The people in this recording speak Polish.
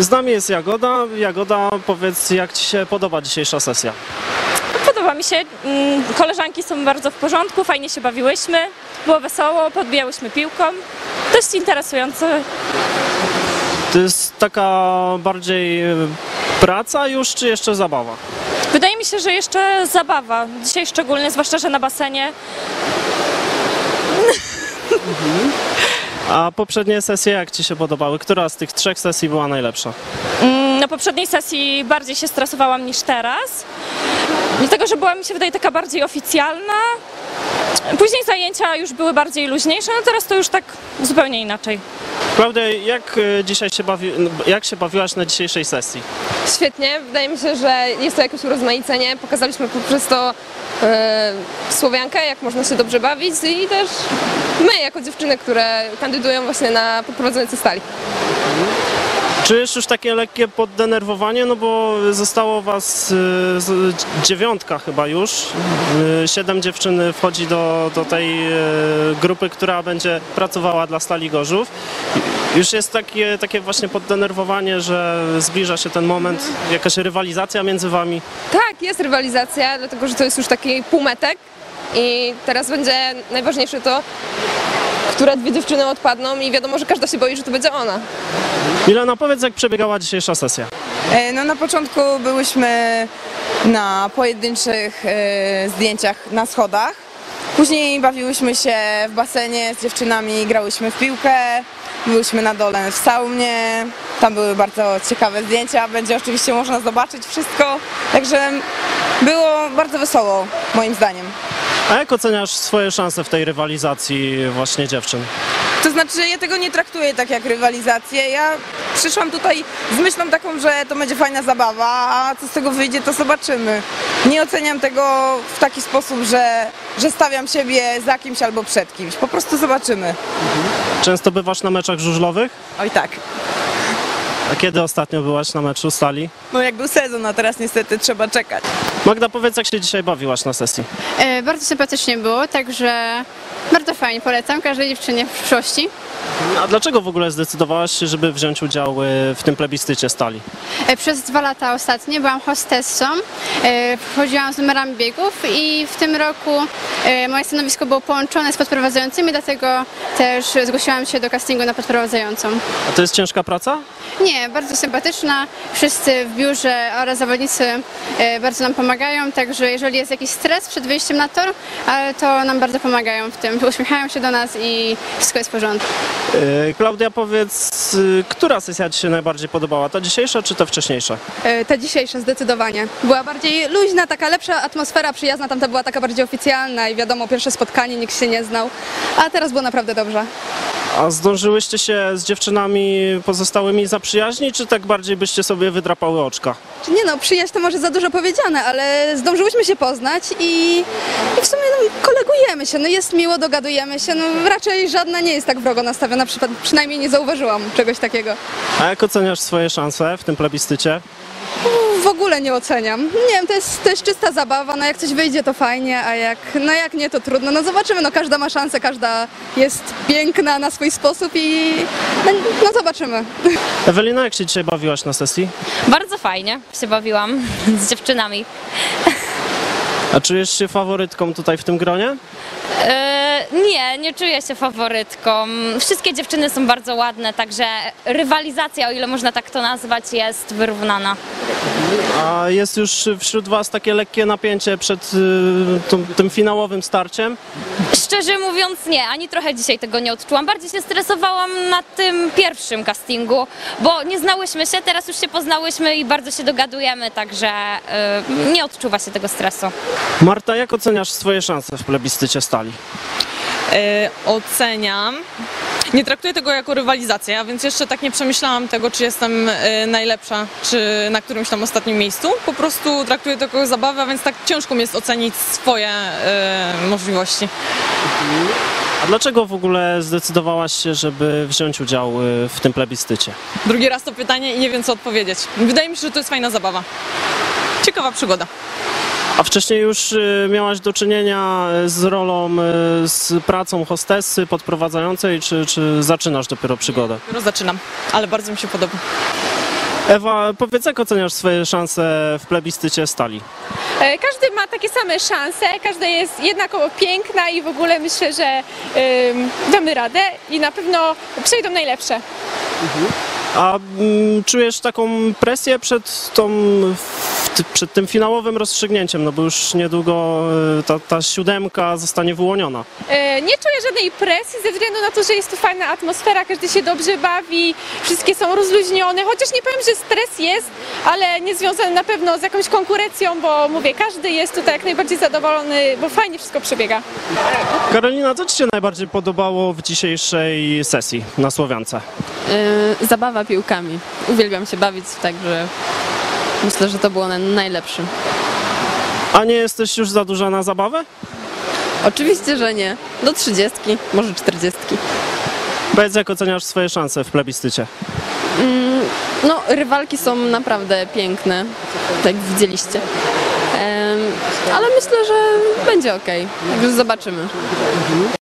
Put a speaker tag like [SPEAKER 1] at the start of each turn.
[SPEAKER 1] Z nami jest Jagoda. Jagoda, powiedz, jak Ci się podoba dzisiejsza sesja?
[SPEAKER 2] Podoba mi się. Koleżanki są bardzo w porządku, fajnie się bawiłyśmy, było wesoło, podbijałyśmy piłką. Dość interesujące.
[SPEAKER 1] To jest taka bardziej praca już, czy jeszcze zabawa?
[SPEAKER 2] Wydaje mi się, że jeszcze zabawa. Dzisiaj szczególnie, zwłaszcza, że na basenie.
[SPEAKER 1] A poprzednie sesje jak Ci się podobały? Która z tych 3 sesji była najlepsza?
[SPEAKER 2] Na poprzedniej sesji bardziej się stresowałam niż teraz. Dlatego, że była, mi się wydaje, taka bardziej oficjalna. Później zajęcia już były bardziej luźniejsze, no teraz to już tak zupełnie inaczej.
[SPEAKER 1] Klaudia, jak dzisiaj jak się bawiłaś na dzisiejszej sesji?
[SPEAKER 3] Świetnie, wydaje mi się, że jest to jakieś urozmaicenie. Pokazaliśmy poprzez to Słowiankę, jak można się dobrze bawić i też my jako dziewczyny, które kandydują właśnie na podprowadzające stali.
[SPEAKER 1] Czujesz już takie lekkie poddenerwowanie, no bo zostało was 9 chyba już. 7 dziewczyn wchodzi do tej grupy, która będzie pracowała dla Stali Gorzów. Już jest takie właśnie poddenerwowanie, że zbliża się ten moment, jakaś rywalizacja między wami.
[SPEAKER 3] Tak, jest rywalizacja, dlatego że to jest już taki półmetek i teraz będzie najważniejsze to, które 2 dziewczyny odpadną i wiadomo, że każda się boi, że to będzie ona.
[SPEAKER 1] Milena, powiedz, jak przebiegała dzisiejsza sesja?
[SPEAKER 4] No na początku byłyśmy na pojedynczych zdjęciach na schodach. Później bawiłyśmy się w basenie z dziewczynami, grałyśmy w piłkę, byłyśmy na dole w saunie. Tam były bardzo ciekawe zdjęcia, będzie oczywiście można zobaczyć wszystko. Także było bardzo wesoło, moim zdaniem.
[SPEAKER 1] A jak oceniasz swoje szanse w tej rywalizacji właśnie dziewczyn?
[SPEAKER 4] To znaczy, ja tego nie traktuję tak jak rywalizację. Ja przyszłam tutaj z myślą taką, że to będzie fajna zabawa, a co z tego wyjdzie, to zobaczymy. Nie oceniam tego w taki sposób, że stawiam siebie za kimś albo przed kimś. Po prostu zobaczymy.
[SPEAKER 1] Często bywasz na meczach żużlowych?
[SPEAKER 4] Oj tak.
[SPEAKER 1] A kiedy ostatnio byłaś na meczu Stali?
[SPEAKER 4] No jak był sezon, a teraz niestety trzeba czekać.
[SPEAKER 1] Magda, powiedz, jak się dzisiaj bawiłaś na sesji?
[SPEAKER 5] Bardzo sympatycznie było, także bardzo fajnie, polecam każdej dziewczynie w przyszłości.
[SPEAKER 1] A dlaczego w ogóle zdecydowałaś się, żeby wziąć udział w tym plebiscycie Stali?
[SPEAKER 5] Przez 2 lata ostatnie byłam hostessą, wchodziłam z numerami biegów i w tym roku moje stanowisko było połączone z podprowadzającymi, dlatego też zgłosiłam się do castingu na podprowadzającą.
[SPEAKER 1] A to jest ciężka praca?
[SPEAKER 5] Nie, bardzo sympatyczna, wszyscy w biurze oraz zawodnicy bardzo nam pomagają, także jeżeli jest jakiś stres przed wyjściem na tor, to nam bardzo pomagają w tym, uśmiechają się do nas i wszystko jest w porządku.
[SPEAKER 1] Klaudia, powiedz, która sesja Ci się najbardziej podobała? Ta dzisiejsza czy ta wcześniejsza?
[SPEAKER 6] Ta dzisiejsza zdecydowanie. Była bardziej luźna, taka lepsza atmosfera, przyjazna, tamta była taka bardziej oficjalna i wiadomo, pierwsze spotkanie, nikt się nie znał, a teraz było naprawdę dobrze.
[SPEAKER 1] A zdążyłyście się z dziewczynami pozostałymi zaprzyjaźnić, czy tak bardziej byście sobie wydrapały oczka?
[SPEAKER 6] Nie no, przyjaźń to może za dużo powiedziane, ale zdążyłyśmy się poznać i w sumie no, kolegujemy się, no jest miło, dogadujemy się, no raczej żadna nie jest tak wrogo nastawiona, przynajmniej nie zauważyłam czegoś takiego.
[SPEAKER 1] A jak oceniasz swoje szanse w tym plebiscycie?
[SPEAKER 6] W ogóle nie oceniam. Nie wiem, to jest czysta zabawa, no jak coś wyjdzie to fajnie, a jak nie to trudno. No zobaczymy, no każda ma szansę, każda jest piękna na swój sposób i no zobaczymy.
[SPEAKER 1] Ewelina, jak się dzisiaj bawiłaś na sesji?
[SPEAKER 2] Bardzo fajnie się bawiłam z dziewczynami.
[SPEAKER 1] A czujesz się faworytką tutaj w tym gronie?
[SPEAKER 2] Nie czuję się faworytką. Wszystkie dziewczyny są bardzo ładne, także rywalizacja, o ile można tak to nazwać, jest wyrównana.
[SPEAKER 1] A jest już wśród Was takie lekkie napięcie przed tym finałowym starciem?
[SPEAKER 2] Szczerze mówiąc nie, ani trochę dzisiaj tego nie odczułam. Bardziej się stresowałam na tym pierwszym castingu, bo nie znałyśmy się, teraz już się poznałyśmy i bardzo się dogadujemy, także nie odczuwa się tego stresu.
[SPEAKER 1] Marta, jak oceniasz swoje szanse w plebiscycie Stali?
[SPEAKER 7] Oceniam. Nie traktuję tego jako rywalizację, a więc jeszcze tak nie przemyślałam tego, czy jestem najlepsza, czy na którymś tam ostatnim miejscu. Po prostu traktuję to jako zabawę, a więc tak ciężko mi jest ocenić swoje możliwości.
[SPEAKER 1] A dlaczego w ogóle zdecydowałaś się, żeby wziąć udział w tym plebiscycie?
[SPEAKER 7] Drugi raz to pytanie i nie wiem, co odpowiedzieć. Wydaje mi się, że to jest fajna zabawa. Ciekawa przygoda.
[SPEAKER 1] A wcześniej już miałaś do czynienia z rolą, z pracą hostessy podprowadzającej, czy zaczynasz dopiero przygodę?
[SPEAKER 7] Dopiero zaczynam, ale bardzo mi się podoba.
[SPEAKER 1] Ewa, powiedz, jak oceniasz swoje szanse w plebiscycie Stali?
[SPEAKER 3] Każdy ma takie same szanse, każda jest jednakowo piękna i w ogóle myślę, że damy radę i na pewno przejdą najlepsze.
[SPEAKER 1] A czujesz taką presję przed tym finałowym rozstrzygnięciem, no bo już niedługo ta 7 zostanie wyłoniona.
[SPEAKER 3] Nie czuję żadnej presji ze względu na to, że jest tu fajna atmosfera, każdy się dobrze bawi, wszystkie są rozluźnione, chociaż nie powiem, że stres jest, ale nie związany na pewno z jakąś konkurencją, bo mówię, każdy jest tutaj jak najbardziej zadowolony, bo fajnie wszystko przebiega.
[SPEAKER 1] Karolina, co Ci się najbardziej podobało w dzisiejszej sesji na Słowiance?
[SPEAKER 8] Zabawa piłkami. Uwielbiam się bawić, także myślę, że to było najlepsze.
[SPEAKER 1] A nie jesteś już za duża na zabawę?
[SPEAKER 8] Oczywiście, że nie. Do 30, może 40.
[SPEAKER 1] Powiedz, jak oceniasz swoje szanse w plebiscycie?
[SPEAKER 8] No, rywalki są naprawdę piękne, tak jak widzieliście. Ale myślę, że będzie ok. Także zobaczymy.